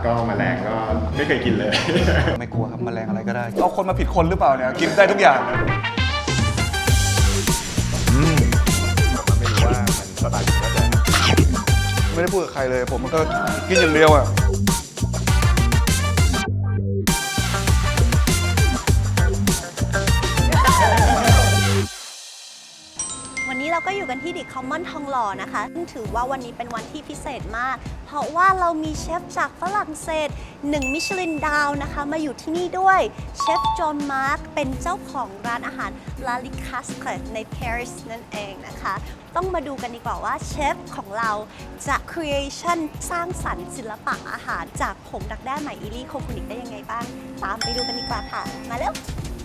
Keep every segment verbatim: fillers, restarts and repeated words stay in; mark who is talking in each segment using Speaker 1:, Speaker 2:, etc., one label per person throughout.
Speaker 1: ก็แมลงก็ไม่เคยกินเลย
Speaker 2: ไม่กลัวครับแมลงอะไรก็ได้เอาคนมาผิดคนหรือเปล่าเนี่ยกินได้ทุกอย่าง
Speaker 1: อืมไม่รู้ว่ามันสไตล์ก็จะ
Speaker 2: ไม่ได้พูดกับใครเลยผมมันก็กินอย่างเดียวอ่ะ
Speaker 3: วันนี้เราก็อยู่กันที่ดิคอมมอนทองหล่อนะคะซึ่งถือว่าวันนี้เป็นวันที่พิเศษมากเพราะว่าเรามีเชฟจากฝรั่งเศสหนึ่งมิชลินดาวนะคะมาอยู่ที่นี่ด้วยเชฟจอห์นมาร์กเป็นเจ้าของร้านอาหารลาลิคัสในปารีสนั่นเองนะคะต้องมาดูกันดีกว่าว่าเชฟของเราจะ creation สร้างสรรค์ศิลปะอาหารจากผงดักแด้ไหมอิลี่โคฟูนิกได้ยังไงบ้างตามไปดูกันดีกว่าค่ะมาเร็ว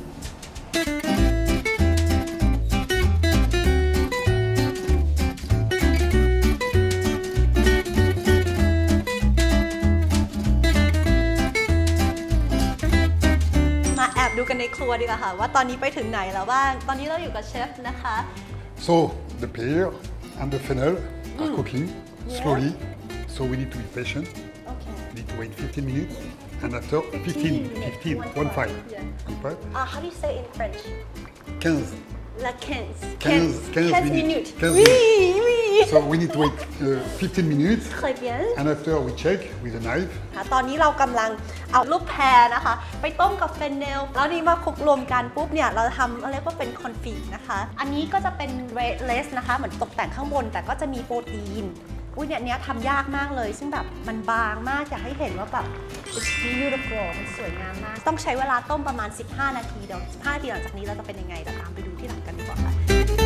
Speaker 3: ดูกันในครัวดีกว่าค่ะว่าตอนนี้ไปถึงไหนแล้วบ้างตอนนี้เราอยู่กับเชฟนะคะ
Speaker 4: So the pear and the fennel are cooking slowly. So we need to be patient.
Speaker 3: Okay.
Speaker 4: We need to wait fifteen minutes, and after fifteen, fifteen, one five. Compare.
Speaker 3: Uh, how do you say in French?
Speaker 4: quinze.
Speaker 3: La quinze.
Speaker 4: quinze, quinze
Speaker 3: quinze
Speaker 4: minutes.
Speaker 3: minutes.
Speaker 4: quinze
Speaker 3: Oui,
Speaker 4: minutes.
Speaker 3: oui.
Speaker 4: So we need to wait uh, fifteen minutes,
Speaker 3: Très bien.
Speaker 4: and after we check with a knife.
Speaker 3: ตอนนี้เรากำลังเอาลูกแพรนะคะ ไปต้มกับเฟนเนลแล้วนี่มาคลุกรวมกันปุ๊บเนี่ยเราทำอะไรก็เป็นคอนฟิกนะคะ อันนี้ก็จะเป็นเรดเลสนะคะเหมือนตกแต่งข้างบนแต่ก็จะมีโปรตีนอุ้ยเนี่ยเนี้ยทำยากมากเลยซึ่งแบบมันบางมากอยากให้เห็นว่าแบบ it's beautiful มันสวยงามมากต้องใช้เวลาต้มประมาณสิบห้านาทีเดี๋ยวสิบห้านาทีหลังจากนี้เราจะเป็นยังไงเดี๋ยวตามไปดูที่หลังกันดีกว่าค่ะ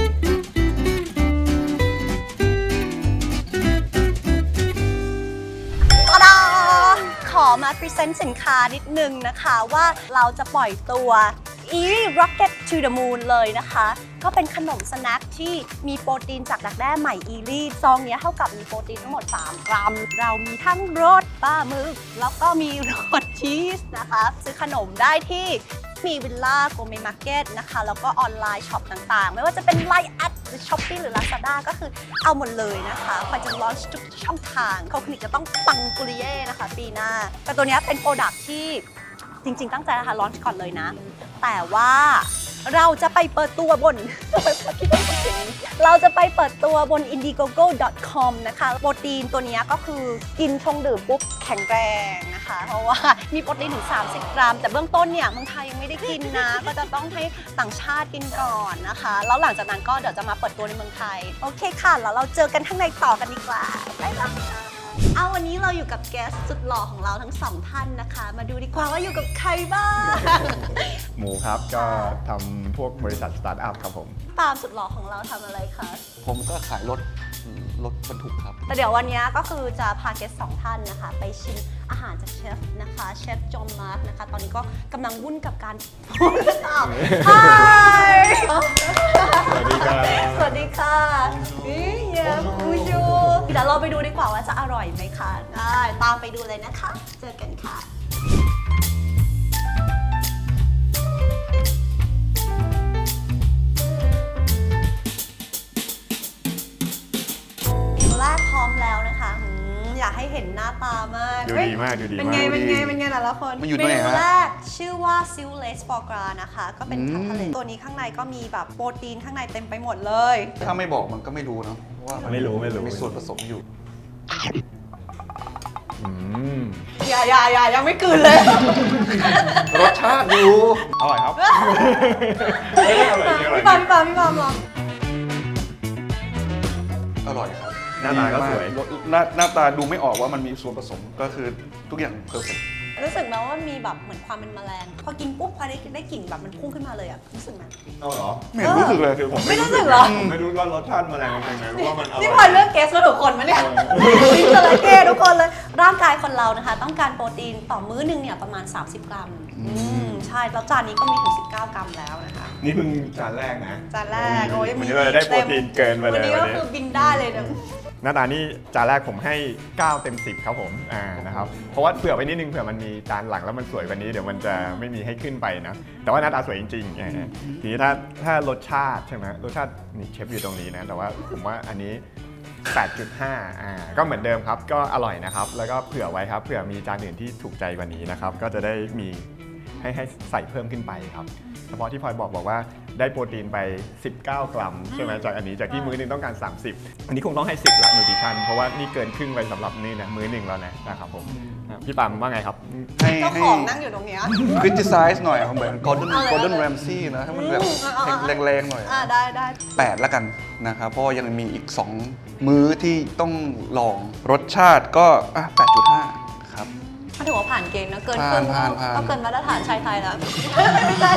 Speaker 3: ขอมาพรีเซนต์สินค้านิดนึงนะคะว่าเราจะปล่อยตัว Eerie Rocket to the Moon เลยนะคะก็เป็นขนมสแน็คที่มีโปรตีนจากดักแด้ใหม่อีรี่ซองนี้เท่ากับมีโปรตีนทั้งหมดสามกรัมเรามีทั้งรสปลาหมึกแล้วก็มีรสชีสนะคะซื้อขนมได้ที่มีวิลล่าโกเมมาร์เก็ตนะคะแล้วก็ออนไลน์ช็อปต่างๆไม่ว่าจะเป็นไลน์แอดหรือช้อปปี้หรือ Lazada ก็คือเอาหมดเลยนะคะพอจะลอนช์ทุกช่องทางเขาคลิกจะต้องปังปุริเย่นะคะปีหน้าแต่ตัวนี้เป็นโปรดักที่จริงๆตั้งใจนะคะลอนช์ก่อนเลยนะแต่ว่าเราจะไปเปิดตัวบน เราจะไปเปิดตัวบน อินดิโกโก้ ดอท คอม นะคะโปรตีนตัวนี้ก็คือกินชงดื่มปุ๊บแข็งแรงนะคะเพราะว่ามีโปรตีนถึงสามสิบกรัมแต่เบื้องต้นเนี่ยเมืองไทยยังไม่ได้กินนะก็จะต้องให้ต่างชาติกินก่อนนะคะแล้วหลังจากนั้นก็เดี๋ยวจะมาเปิดตัวในเมืองไทยโอเคค่ะแล้วเราเจอกันข้างในต่อกันดีกว่าบ๊ายบายเอาวันนี้เราอยู่กับแกสสุดหล่อของเราทั้งสองท่านนะคะมาดูดีกว่าว่าอยู่กับใครบ้าง
Speaker 1: หมูครับก็ทำพวกบริษัทสตาร์ทอัพครับผม
Speaker 3: ปาล์มสุดหล่อของเราทำอะไรคะ
Speaker 2: ผมก็ขายรถรถบรรทุกครับ
Speaker 3: แต่เดี๋ยววันนี้ก็คือจะพาเกสสองท่านนะคะไปชิมอาหารจากเชฟนะคะเชฟจอห์นมาร์กนะคะตอนนี้ก็กำลังวุ่นกับการพูดอ้าวฮาย
Speaker 1: สวัสดีครับ
Speaker 3: สวัสดีค่ะนี่เฮียบูชูเดี๋ยวเราไปดูดีกว่าว่าจะอร่อยไหมคะได้ตามไปดูเลยนะคะเจอกันค่ะพร้อมแล้วนะคะอยากให้เห็นหน้าตามาก
Speaker 1: ดูดีมากดูดีมาก
Speaker 3: เป็นไงเป็นไงเป็นไงแต่ละคน
Speaker 2: มันอยู่ตรงไหนฮะ
Speaker 3: เมนูแรกชื่อว่าซิลเลสฟอร์กรานะคะก็เป็นผักทะเลตัวนี้ข้างในก็มีแบบโปรตีนข้างในเต็มไปหมดเลย
Speaker 2: ถ้าไม่บอกมันก็ไม่รู้เนาะว่า
Speaker 1: ไม่รู้ไม่รู้
Speaker 2: มีส่วนผสมอยู่
Speaker 3: อย่าอย่าอย่ายังไม่กลืนเลย
Speaker 2: รสชาติอยู่
Speaker 1: อร่อยครับ
Speaker 3: พี่ปาพี่ปาพี่ปาลอง
Speaker 2: อร่อยครับ
Speaker 1: หน้าตาก็สวย
Speaker 2: หน้าหน้าตาดูไม่ออกว่ามันมีส่วนผสมก็คือทุกอย่างเพอร์เฟคต์
Speaker 3: รู้สึกไหมว่ามีแบบเหมือนความเป็นแมลงพอกินปุ๊บพอได้ได้กลิ่นแบบมันพุ่งขึ้นมาเลยอะรู้สึกไหม
Speaker 1: เอาเหรอ
Speaker 2: ไม่รู้สึกเลย
Speaker 1: คือผม
Speaker 3: ไม่รู้สึกเหรอ
Speaker 1: ผมไม่รู้ว่ารสชาติแมลงเป็นไงรู้ว่ามันอร่อย
Speaker 3: ที่พอเลือกเกสมาถูกคนมั้ยเนี่ยมีจระเข้ทุกคนเลยร่างกายคนเรานะคะต้องการโปรตีนต่อมื้อนึงเนี่ยประมาณสามสิบกรัมใช่แล้วจานนี้ก็มีถึงสิบเก้ากรัมแล้วนะคะ
Speaker 1: นี่เพิ่งจานแรกนะ
Speaker 3: จานแรกโอ้ย
Speaker 1: วันนี้เราได้โปรตีนเกินไปเลย
Speaker 3: วันนี้ก็คือบินได้เลยนะ
Speaker 1: หน้าตานี่จานแรกผมให้เก้าเต็มสิบครับผมอ่านะครับเพราะว่าเผื่อไปนิดนึงเผื่อมันมีจานหลังแล้วมันสวยกว่านี้เดี๋ยวมันจะไม่มีให้ขึ้นไปนะแต่ว่าหน้าตาสวยจริงๆทีนี้ถ้าถ้ารสชาติใช่ไหมรสชาตินี่เชฟอยู่ตรงนี้นะแต่ว่าผมว่าอันนี้แปดจุดห้า อ่า ก็เหมือนเดิมครับ ก็อร่อยนะครับ แล้วก็เผื่อไว้ครับ เผื่อมีจานอื่นที่ถูกใจกว่านี้นะครับ ก็จะได้มีให้ให้ใส่เพิ่มขึ้นไปครับ เฉพาะที่พลอยบอกบอกว่าได้โปรตีนไป สิบเก้า กรัมใช่ไหมจากอันนี้ จากที่มื้อหนึงต้องการ สามสิบ อันนี้คงต้องให้ สิบละนูทริชั่น เพราะว่านี่เกินครึ่งไปสำหรับนี่นะมื้อหนึ่งแล้วนะนะครับผมอ่ะพี่ปามว่าไงครับ
Speaker 2: ให้
Speaker 3: เจ้า
Speaker 2: ให้
Speaker 3: ของนั่งอยู่ตรงเนี้ย
Speaker 2: criticize หน่อยเหมือน Gordon
Speaker 3: เอาเลย
Speaker 2: Gordon
Speaker 3: เอาเลย
Speaker 2: Ramsay นะให้มันแบบ
Speaker 3: อืมเอาเอาเอา
Speaker 2: แรงๆหน่อย
Speaker 3: อ่าได้ได้
Speaker 2: แปดแล้วกันนะครับ เพราะว่ายังมีอีก สอง มื้อที่ต้องลองรสชาติก็อ่ะแปดจุดห้า ครับ
Speaker 3: ถ้าถือว่าผ่านเกณฑ์นะเกินครึ่ง
Speaker 2: ผ่านผ่าน
Speaker 3: ก็เกินมาตรฐานชายไทยแล้ว ไม่ใช่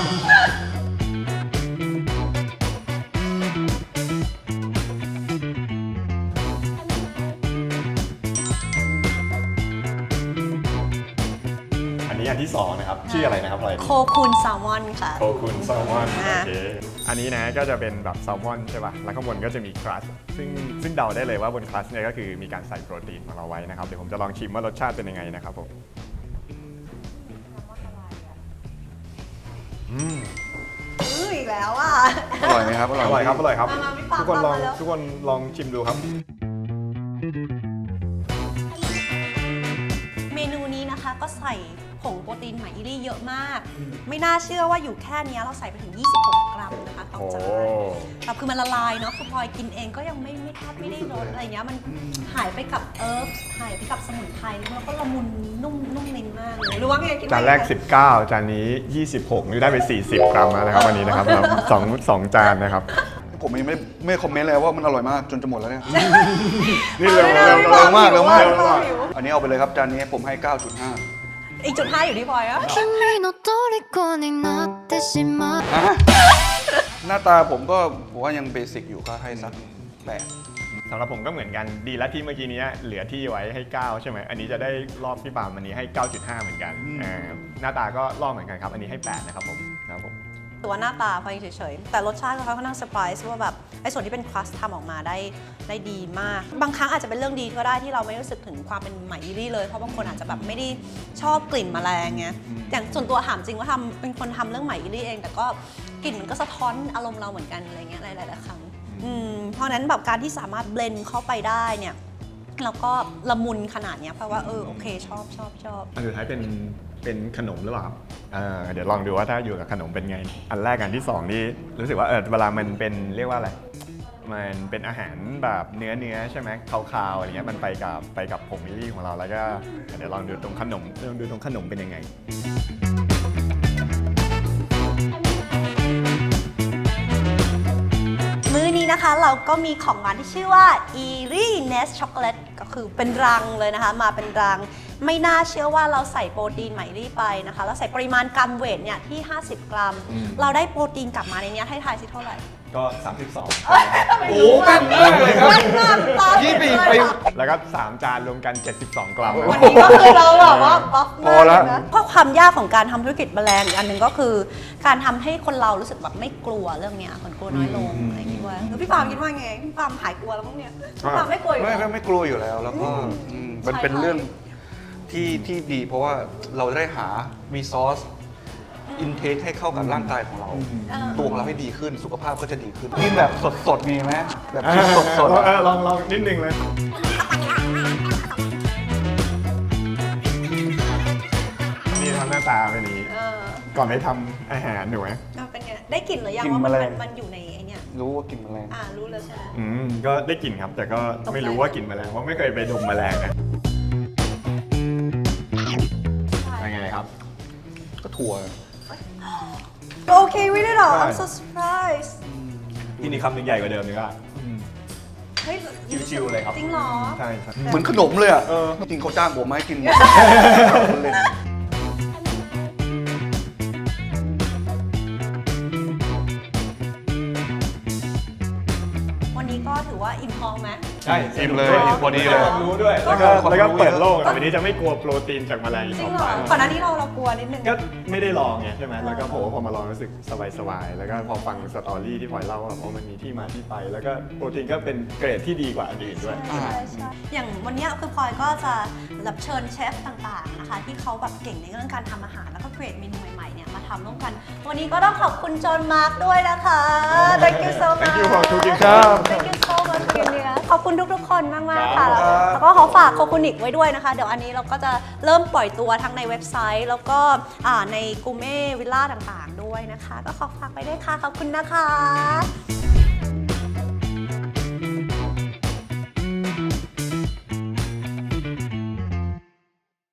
Speaker 1: อันนี้อันที่สองนะครับ ชื่ออะไรนะครับพลอย
Speaker 3: โคคูนแซลมอนค่ะ
Speaker 1: โคคุณแซลมอน
Speaker 3: อ่า
Speaker 1: โอเค อันนี้นะก็จะเป็นแบบแซลมอนใช่ป่ะ แล้วข้างบนก็จะมีครัสซึ่งซึ่งเดาได้เลยว่าบนครัสเนี่ยก็คือมีการใส่โปรตีนของเราไว้นะครับ เดี๋ยวผมจะลองชิมว่ารสชาติเป็นยังไงนะครับผม อืม
Speaker 3: อื้ออีกแล้วอ่ะ
Speaker 2: อร่อยไหมครับ
Speaker 1: อร่อยครับ อร่อยครับ
Speaker 3: มามาพี่ปาม
Speaker 1: ทุกคนลอง
Speaker 3: มาแล้ว
Speaker 1: ทุกคนลองชิมดูครับ
Speaker 3: เมนูนี้นะคะก็ใส่ผงโปรตีนไหมอิรี่เยอะมาก ไม่น่าเชื่อว่าอยู่แค่เนี้ยเราใส่ไปถึง ยี่สิบหก กรัมนะคะต่อ
Speaker 1: โอ้
Speaker 3: จานแต่คือมันละลายเนาะคือพลอยกินเองก็ยังไม่ไม่แทบไม่ได้รสอะไรเงี้ยมันหายไปกับเอิร์ฟหายไปกับสมุนไพรแล้วก็ละมุนนุ่มนุ่มลิ้นมากเลยรู้ว่าไงกิน
Speaker 1: จานแรก สิบเก้า จานนี้ ยี่สิบหก นี่ได้ไป สี่สิบ กรัมแล้วนะครับวันนี้นะครับครับสองสองจานนะครับ
Speaker 2: ผมยังไม่ไม่คอมเมนต์เลยว่ามันอร่อยมากจนจะหมดแล้วเนี่ย
Speaker 1: นี่เร็ว
Speaker 3: อา
Speaker 1: เร็ว
Speaker 3: ลย
Speaker 1: เร็ว
Speaker 2: เร็วมากเร็วมาก
Speaker 3: เร็วหิว
Speaker 2: อันนี้เอาไปเลยครับจานนี้ผมให้ เก้าจุดห้า
Speaker 3: อีกจุดห้าอยู่ที่พลอยอะ
Speaker 5: 君の虜になってしまう
Speaker 2: อ่ะหน้าตาผมก็ผมว่ายังเบสิกอยู่ก็ให้สักแปด
Speaker 1: สำหรับผมก็เหมือนกันดีแล้วที่เมื่อกี้นี้เหลือที่ไว้ให้ เก้า ใช่ไหมอันนี้จะได้รอบพี่ปามอันนี้ให้ เก้าจุดห้า เหมือนกันอ่าหน้าตาก็รอบเหมือนกันครับ อันนี้ให้ แปด นะครับผมนะครับผม
Speaker 3: ตัวหน้าตาพลอยเฉยๆ แต่รสชาติเขาค่อนข้างเซอร์ไพรส์ว่าแบบไอ้ส่วนที่เป็นครัสทำออกมาได้ได้ดีมาก บางครั้งอาจจะเป็นเรื่องดีก็ได้ที่เราไม่รู้สึกถึงความเป็นไหมอิรี่เลย เพราะบางคนอาจจะแบบไม่ได้ชอบกลิ่นแมลงไงอย่างส่วนตัวถามจริงว่าทำเป็นคนทำเรื่องไหมอิรี่เอง แต่ก็กลิ่นมันก็สะท้อนอารมณ์เราเหมือนกันอะไรเงี้ยหลายๆครั้งอืมเพราะฉะนั้นแบบการที่สามารถเบลนด์เข้าไปได้เนี่ยแล้วก็ละมุนขนาดเนี้ยเพราะว่าเออโอเคชอบชอบชอบ
Speaker 1: อันสุดท้ายเป็นเป็นขนมหรือเปล่าครับเอ่อเดี๋ยวลองดูว่าถ้าอยู่กับขนมเป็นไง อันแรกอันที่สองนี่รู้สึกว่าเออเวลามันเป็นเรียกว่าอะไร มันเป็นอาหารแบบเนื้อเนื้อใช่ไหมคาวๆอะไรเงี้ยมันไปกับไปกับผงมิลลี่ของเราแล้วก็เดี๋ยวลองดูตรงขนมลองดูตรงขนมเป็นยังไง
Speaker 3: มื้อนี้นะคะเราก็มีของหวานที่ชื่อว่า Eerie Nest Chocolate ก็คือเป็นรังเลยนะคะ มาเป็นรัง ไม่น่าเชื่อว่าเราใส่โปรตีนไหมลี่ไปนะคะเราใส่ปริมาณกรัมเวทเนี่ยที่ ห้าสิบ กรัม เราได้โปรตีนกลับมาในเนี้ยให้ทายสิเท่าไหร่
Speaker 1: ก็ สามสิบสอง
Speaker 3: โอ้แม่นมากเลยครับแม่นมากตา
Speaker 2: ยี่ปี
Speaker 3: เลย
Speaker 2: ไป
Speaker 3: ค่ะ
Speaker 1: แล้วก็สามจานรวมกัน เจ็ดสิบสอง กรัม
Speaker 3: วันนี้ก็คือเราแบบว่าป๊อป
Speaker 2: พ
Speaker 3: มา
Speaker 2: อก แล้ว
Speaker 3: นะเพราะความยากของการทำธุรกิจแบรนด์อีกอันหนึ่งก็คือ การทำให้คนเรารู้สึกแบบไม่กลัวเรื่องเนี้ยคนกลัวน้อยลงอะไรอย่างเงี้ยว่าแล้วพี่ปาล์มคิดว่าไงพี่ปาล์มหายกลัวแล้วมั้งเนี่ยพี่ปาล์มไม่กลัวอยู่
Speaker 2: ไม่
Speaker 3: เหร
Speaker 2: ไม่
Speaker 3: อ
Speaker 2: ไม่กลัวอยู่แล้วแล้วก็อืมมันเป็น
Speaker 3: ใช่ค่ะ
Speaker 2: เรื่องที่ที่ดี เพราะว่าเราได้หารีซอสอินเทคให้เข้ากับร่างกายของเรา
Speaker 3: เออ
Speaker 2: ตัวของเราให้ดีขึ้นสุขภาพก็จะดีขึ้นกินแบบสดๆมีไหมแบบกินสด
Speaker 1: ลองเออลองลองนิดนึงเลย นี่ทำหน้าตาเป็นนี้
Speaker 3: เออ
Speaker 1: ก่อนไปทำอาหารถูกไหม
Speaker 3: เอาเป็นไงได้กลิ่นหรือยังว่ามันมันมันอยู่ในไอเนี่ย
Speaker 2: ๆรู้ว่ากินแมลง
Speaker 3: อ่ารู้แล้วใช่ไหม
Speaker 1: อืมก็ได้กลิ่นครับ แต่ก็ไม่รู้ว่ากลิ่นแมลงเพราะไม่เคยไปดมแมลงนะเป็นไงครับ
Speaker 2: ก็ถั่ว
Speaker 3: โอเคไม่ได้หรอ I'm so surprised
Speaker 1: ที่นี่คำหนึ่งใหญ่กว่าเดิมนึกว่า
Speaker 3: เฮ้ย
Speaker 1: ชิวๆเลยครับ
Speaker 3: จริงเหรอ
Speaker 1: ใช่ใช่
Speaker 2: เหมือนขนมเลยอ่ะ
Speaker 1: เออ
Speaker 2: จริงเขาจ้างผมมาให้กิน เล่น
Speaker 3: วันนี้ก็ถือว่าอิ่มท้องไหม
Speaker 1: ใช่
Speaker 2: อิ่มเลย
Speaker 1: อิ่
Speaker 2: พอดีเลย
Speaker 1: ความรู้ด้วย แล้วก็
Speaker 2: ความรู้
Speaker 1: แล้วก็เปิดโลก
Speaker 2: เยอะ
Speaker 1: แต่วันนี้จะไม่กลัวโปรตีนจากแมลงอีก
Speaker 3: จริ
Speaker 1: ต่
Speaker 3: ง
Speaker 1: อ
Speaker 3: เหร
Speaker 1: ไป
Speaker 3: อก่อนหน้านี้เราเรากลัวนิดนึง
Speaker 1: ก็ไม่ได้ลองไงใช่ไหมแล้วก็ผมว่าพอมาลองรู้สึกสบายๆ แล้วก็พอฟังสตอรี่ที่พลอยเล่าว่าอ๋อมันมีที่มาที่ไป แล้วก็โปรตีนก็เป็นเกรดที่ดีกว่าอันอื่นด้วย
Speaker 3: ใช่ใช่ใช่อย่างวันเนี้ยคือพลอยก็จะรับเชิญเชฟต่างๆนะคะที่เขาแบบเก่งในเรื่องการทำอาหารแล้วก็เกรดเมนูใหม่ๆเนี่ยมาทำร่วมกัน วันนี้ก็ต้องขอบคุณจอห์นมาร์คด้วยนะคะ thank you so much
Speaker 1: Thank you for cooking
Speaker 2: ครับ
Speaker 3: thank you so much กินเนื้อขอบคุณทุกๆคนมากๆ
Speaker 1: ครั
Speaker 3: ค่ะ
Speaker 1: บ
Speaker 3: แล้วก็ขอฝากโคคุนิกไว้ด้วยนะคะ เดี๋ยวอันนี้เราก็จะเริ่มปล่อยตัวทั้งในเว็บไซต์ แล้วก็อ่าในกูเม่วิลล่าต่างๆด้วยนะคะ ก็ขอฝากไปด้วยค่ะ ขอบคุณนะคะ